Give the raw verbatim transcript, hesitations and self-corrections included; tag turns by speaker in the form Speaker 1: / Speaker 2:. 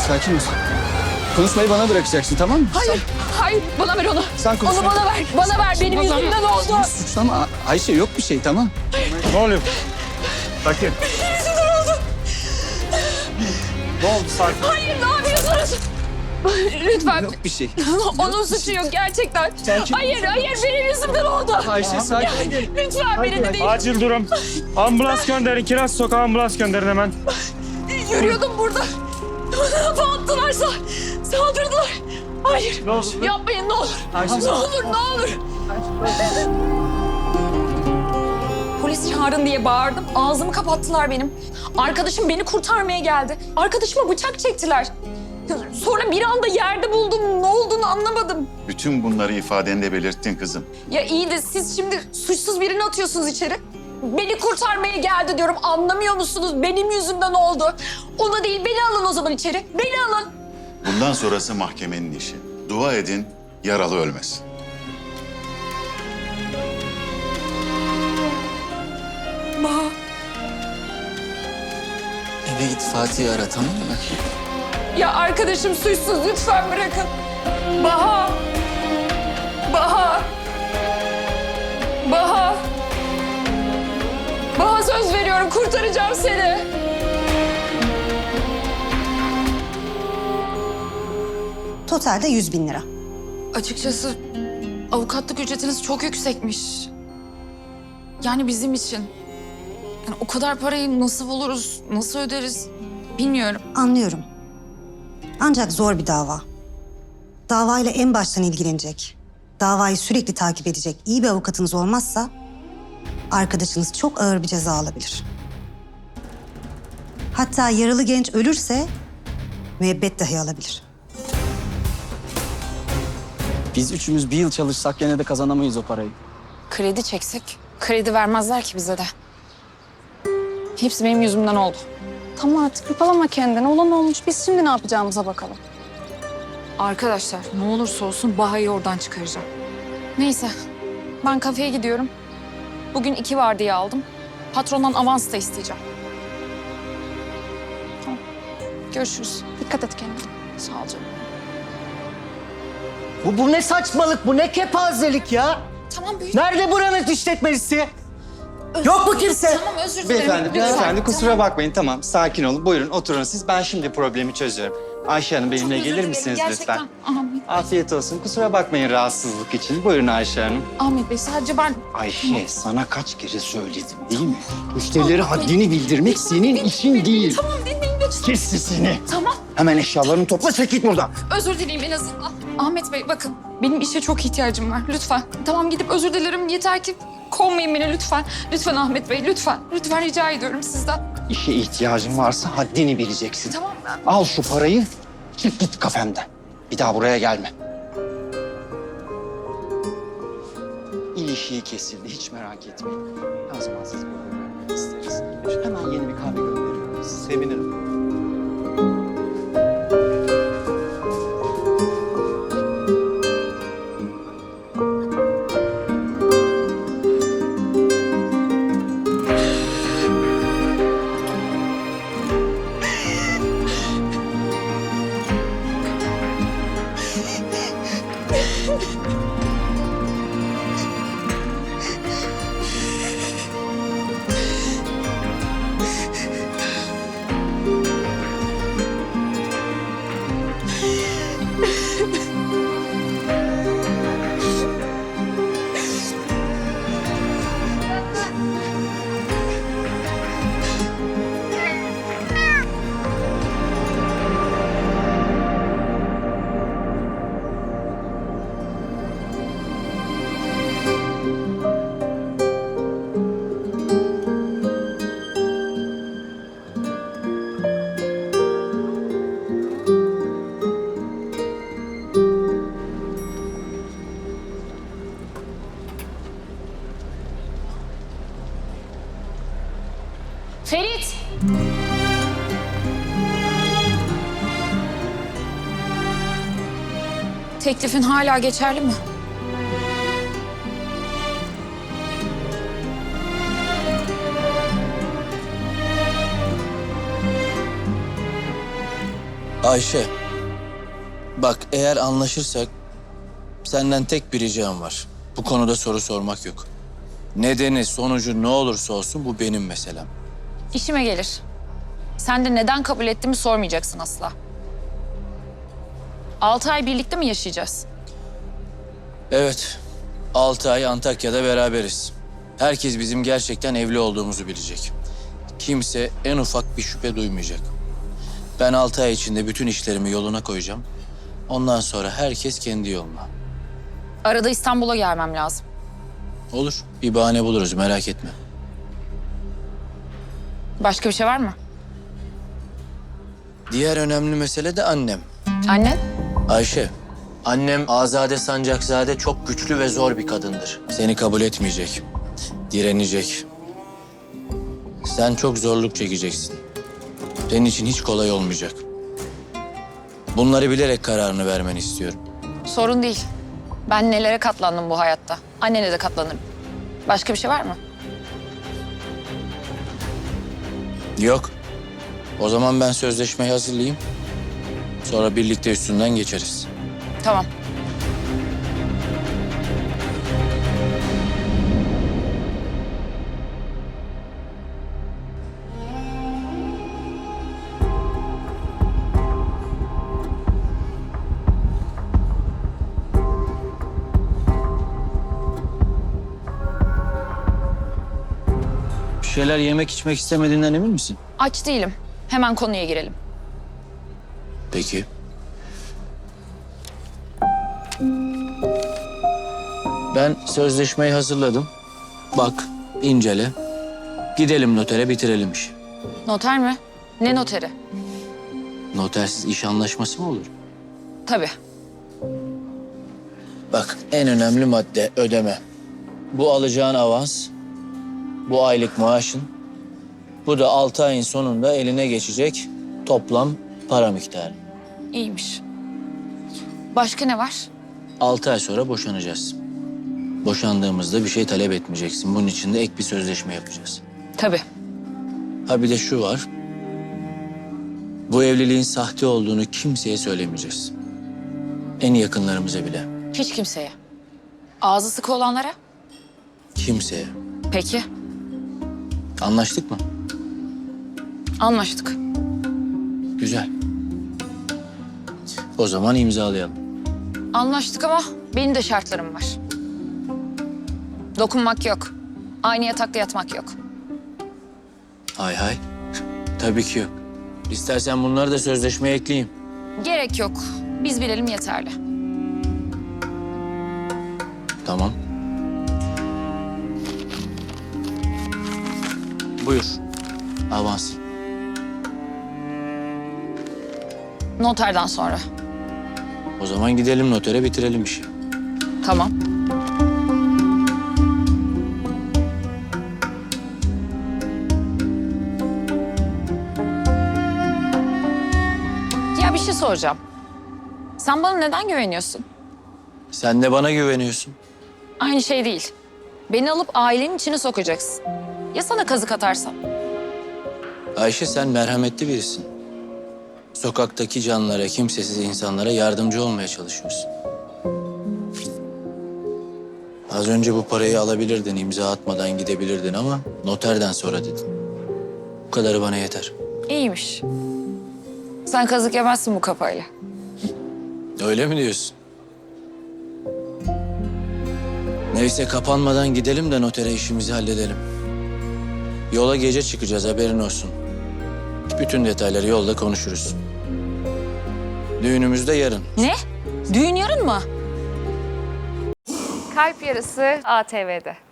Speaker 1: sakin ol. Konuşmayı bana bırakacaksın, tamam mı?
Speaker 2: Hayır,
Speaker 1: Sen,
Speaker 2: hayır. Bana ver onu.
Speaker 1: sen konuş.
Speaker 2: Onu bana ver. Bana ver. Benim
Speaker 1: Suçlama.
Speaker 2: yüzümden oldu.
Speaker 1: Suçlama. Ayşe yok bir şey, tamam.
Speaker 3: Ne oluyor? Sakin.
Speaker 2: Benim yüzümden oldu.
Speaker 3: Ne oldu sakin?
Speaker 2: Hayır, ne yapıyorsunuz? Lütfen.
Speaker 1: Yok bir şey.
Speaker 2: Onun suçu yok gerçekten.
Speaker 1: Sakin ol.
Speaker 2: Hayır, hayır. Benim yüzümden oldu.
Speaker 1: Ayşe sakin.
Speaker 2: Lütfen beni de değil.
Speaker 3: Acil durum. Ambulans gönderin. Kiraz Sokağı ambulans gönderin hemen.
Speaker 2: Yürüyordum burada. Bana hava attılarsa saldırdılar. Hayır.
Speaker 3: Ne oldu?
Speaker 2: Yapmayın ne olur.
Speaker 1: Ayşe,
Speaker 2: Ne olur, ne olur. Polis çağırın diye bağırdım. Ağzımı kapattılar benim. Arkadaşım beni kurtarmaya geldi. Arkadaşıma bıçak çektiler. Sonra bir anda yerde buldum. Ne olduğunu anlamadım.
Speaker 4: Bütün bunları ifadende belirttin kızım.
Speaker 2: Ya iyi de siz şimdi suçsuz birini atıyorsunuz içeri. Beni kurtarmaya geldi diyorum. Anlamıyor musunuz? Benim yüzümden oldu. Ona değil, beni alın o zaman içeri. Beni alın.
Speaker 4: Bundan sonrası mahkemenin işi. Dua edin, yaralı ölmesin.
Speaker 2: Baha.
Speaker 1: Eve git Fatih'i ara, tamam mı?
Speaker 2: Ya arkadaşım suçsuz, lütfen bırakın. Baha. Baha. Baha. Baha söz veriyorum, kurtaracağım seni.
Speaker 5: Totalde yüz bin lira.
Speaker 2: Açıkçası avukatlık ücretiniz çok yüksekmiş. Yani bizim için. Yani o kadar parayı nasıl buluruz, nasıl öderiz bilmiyorum.
Speaker 5: Anlıyorum. Ancak zor bir dava. Davayla en baştan ilgilenecek, davayı sürekli takip edecek iyi bir avukatınız olmazsa arkadaşınız çok ağır bir ceza alabilir. Hatta yaralı genç ölürse müebbet dahi alabilir.
Speaker 1: Biz üçümüz bir yıl çalışsak gene de kazanamayız o parayı.
Speaker 2: Kredi çeksek kredi vermezler ki bize de. Hepsi benim yüzümden oldu.
Speaker 6: Tamam artık hırpalama kendini. Olan olmuş. Biz şimdi ne yapacağımıza bakalım.
Speaker 2: Arkadaşlar ne olursa olsun Baha'yı oradan çıkaracağım. Neyse ben kafeye gidiyorum. Bugün iki vardiya aldım. Patrondan avans da isteyeceğim. Tamam. Görüşürüz.
Speaker 6: Dikkat et kendine.
Speaker 2: Sağ ol canım.
Speaker 7: Bu, bu ne saçmalık, bu ne kepazelik ya?
Speaker 2: Tamam büyük.
Speaker 7: Nerede buranın işletmecisi? Yok mu kimse?
Speaker 2: Tamam özür dilerim.
Speaker 8: Beyefendi,
Speaker 2: Lütfen.
Speaker 8: beyefendi kusura
Speaker 2: Tamam.
Speaker 8: bakmayın. Tamam, sakin olun. Buyurun oturun siz. Ben şimdi problemi çözüyorum. Ayşe Hanım
Speaker 2: Çok
Speaker 8: benimle
Speaker 2: özür
Speaker 8: gelir
Speaker 2: dilerim,
Speaker 8: misiniz
Speaker 2: gerçekten.
Speaker 8: lütfen?
Speaker 2: Ahmet,
Speaker 8: Afiyet olsun. Kusura bakmayın rahatsızlık için. Buyurun Ayşe Hanım.
Speaker 2: Ahmet Bey sadece ben...
Speaker 8: Ayşe, sana kaç kere söyledim değil mi? Müşterilere haddini bildirmek senin işin değil.
Speaker 2: Tamam dinleyin lütfen.
Speaker 8: Kes sesini.
Speaker 2: Tamam.
Speaker 8: Hemen eşyalarını topla, çek git buradan.
Speaker 2: Özür dileyim en azından. Ahmet Bey bakın benim işe çok ihtiyacım var lütfen. Tamam gidip özür dilerim yeter ki kovmayın beni lütfen. Lütfen Ahmet Bey lütfen. Lütfen rica ediyorum sizden.
Speaker 8: İşe ihtiyacın varsa haddini bileceksin.
Speaker 2: Tamam mı?
Speaker 8: Al şu parayı, çık git kafemden. Bir daha buraya gelme. İlişiği kesildi, hiç merak etmeyin. O zaman siz burada görmek isteriz. Hemen yeni bir kahve gönderiyorum. Sevinirim.
Speaker 2: Ferit! Teklifin hala geçerli mi?
Speaker 9: Ayşe, bak eğer anlaşırsak senden tek bir ricam var. Bu konuda soru sormak yok. Nedeni, sonucu ne olursa olsun bu benim meselem.
Speaker 2: İşime gelir. Sen de neden kabul ettiğimi sormayacaksın asla. Altı ay birlikte mi yaşayacağız?
Speaker 9: Evet, altı ay Antakya'da beraberiz. Herkes bizim gerçekten evli olduğumuzu bilecek. Kimse en ufak bir şüphe duymayacak. Ben altı ay içinde bütün işlerimi yoluna koyacağım. Ondan sonra herkes kendi yoluna.
Speaker 2: Arada İstanbul'a gelmem lazım.
Speaker 9: Olur, bir bahane buluruz, merak etme.
Speaker 2: Başka bir şey var mı?
Speaker 9: Diğer önemli mesele de annem.
Speaker 2: Annen?
Speaker 9: Ayşe, annem Azade Sancakzade çok güçlü ve zor bir kadındır. Seni kabul etmeyecek, direnecek. Sen çok zorluk çekeceksin. Senin için hiç kolay olmayacak. Bunları bilerek kararını vermeni istiyorum.
Speaker 2: Sorun değil. Ben nelere katlandım bu hayatta. Annene de katlanırım. Başka bir şey var mı?
Speaker 9: Yok. O zaman ben sözleşmeyi hazırlayayım. Sonra birlikte üstünden geçeriz.
Speaker 2: Tamam.
Speaker 9: Bir şeyler yemek içmek istemediğinden emin misin?
Speaker 2: Aç değilim. Hemen konuya girelim.
Speaker 9: Peki. Ben sözleşmeyi hazırladım. Bak, incele. Gidelim notere, bitirelim işi.
Speaker 2: Noter mi? Ne noteri?
Speaker 9: Notersiz iş anlaşması mı olur?
Speaker 2: Tabii.
Speaker 9: Bak, en önemli madde ödeme. Bu alacağın avans, bu aylık maaşın, bu da altı ayın sonunda eline geçecek toplam para miktarı.
Speaker 2: İyiymiş. Başka ne var?
Speaker 9: Altı ay sonra boşanacağız. Boşandığımızda bir şey talep etmeyeceksin. Bunun için de ek bir sözleşme yapacağız.
Speaker 2: Tabii.
Speaker 9: Ha bir de şu var. Bu evliliğin sahte olduğunu kimseye söylemeyeceğiz. En yakınlarımıza bile.
Speaker 2: Hiç kimseye. Ağzı sıkı olanlara?
Speaker 9: Kimseye.
Speaker 2: Peki.
Speaker 9: Anlaştık mı?
Speaker 2: Anlaştık.
Speaker 9: Güzel. O zaman imzalayalım.
Speaker 2: Anlaştık ama benim de şartlarım var. Dokunmak yok. Aynı yatakta yatmak yok.
Speaker 9: Hay hay. Tabii ki yok. İstersen bunları da sözleşmeye ekleyeyim.
Speaker 2: Gerek yok. Biz bilelim yeterli.
Speaker 9: Tamam. Buyur. Avans.
Speaker 2: Noterden sonra.
Speaker 9: O zaman gidelim notere, bitirelim işi.
Speaker 2: Tamam. Ya bir şey soracağım. Sen bana neden güveniyorsun?
Speaker 9: Sen de bana güveniyorsun.
Speaker 2: Aynı şey değil. Beni alıp ailenin içine sokacaksın. Ya sana kazık atarsam?
Speaker 9: Ayşe sen merhametli birisin. Sokaktaki canlara, kimsesiz insanlara yardımcı olmaya çalışıyorsun. Az önce bu parayı alabilirdin, imza atmadan gidebilirdin ama noterden sonra dedin. Bu kadarı bana yeter.
Speaker 2: İyiymiş. Sen kazık yemezsin bu kafayla.
Speaker 9: Öyle mi diyorsun? Neyse kapanmadan gidelim de notere işimizi halledelim. Yola gece çıkacağız, haberin olsun. Bütün detayları yolda konuşuruz. Düğünümüz de yarın.
Speaker 2: Ne? Düğün yarın mı?
Speaker 6: Kalp Yarısı A T V'de.